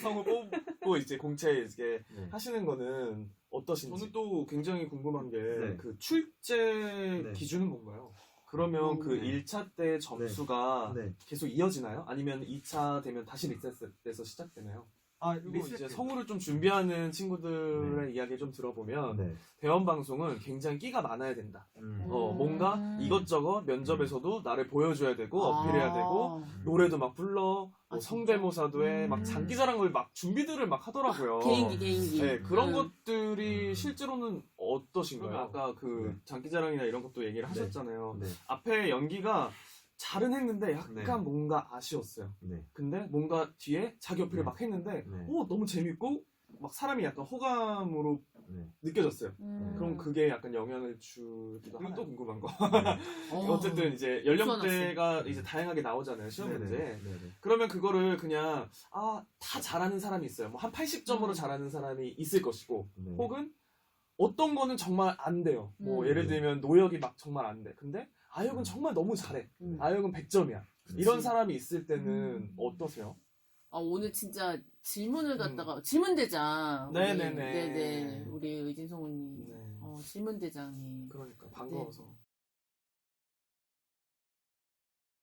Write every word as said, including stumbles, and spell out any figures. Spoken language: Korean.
성우 뽑고 이제 공채 이제 네. 하시는 거는 어떠신지? 저는 또 굉장히 궁금한 게 네. 그 출제 네. 기준은 뭔가요? 그러면 음, 그 네. 일 차 때 점수가 네. 계속 이어지나요? 아니면 이 차 되면 다시 리셋돼서 시작되나요? 아, 그리고 이제 성우를 좀 준비하는 친구들의 이야기 좀 들어보면 네. 대원 방송은 굉장히 끼가 많아야 된다. 음. 어, 음. 뭔가 이것저것 면접에서도 나를 보여줘야 되고 어필해야 되고 아. 노래도 막 불러 아, 뭐 진짜? 성대모사도 해 막 음. 장기자랑을 막 준비들을 막 하더라고요. 개인기 개인기. 네, 그런 음. 것들이 음. 실제로는 어떠신가요? 그러면- 아까 그 네. 장기자랑이나 이런 것도 얘기를 네. 하셨잖아요. 네. 앞에 연기가 잘은 했는데 약간 네. 뭔가 아쉬웠어요. 네. 근데 뭔가 뒤에 자기 어필을 네. 막 했는데 네. 오 너무 재밌고 막 사람이 약간 호감으로 네. 느껴졌어요. 음. 그럼 그게 약간 영향을 주기도 하고 또 궁금한 거. 어. 어쨌든 이제 연령대가 이제 다양하게 나오잖아요 시험 네네. 문제. 네네. 그러면 그거를 그냥 아 다 잘하는 사람이 있어요. 뭐 한 팔십 점으로 음. 잘하는 사람이 있을 것이고 네. 혹은 어떤 거는 정말 안 돼요. 뭐 음. 예를 들면 노역이 막 정말 안 돼. 근데 아역은 음. 정말 너무 잘해. 음. 아역은 백 점이야. 그치. 이런 사람이 있을 때는 음. 어떠세요? 아, 오늘 진짜 질문을 갖다가 질문 대장. 우리- 네네네. 네네. 우리 의진 성우님. 네. 어, 질문 대장이. 그러니까 반가워서.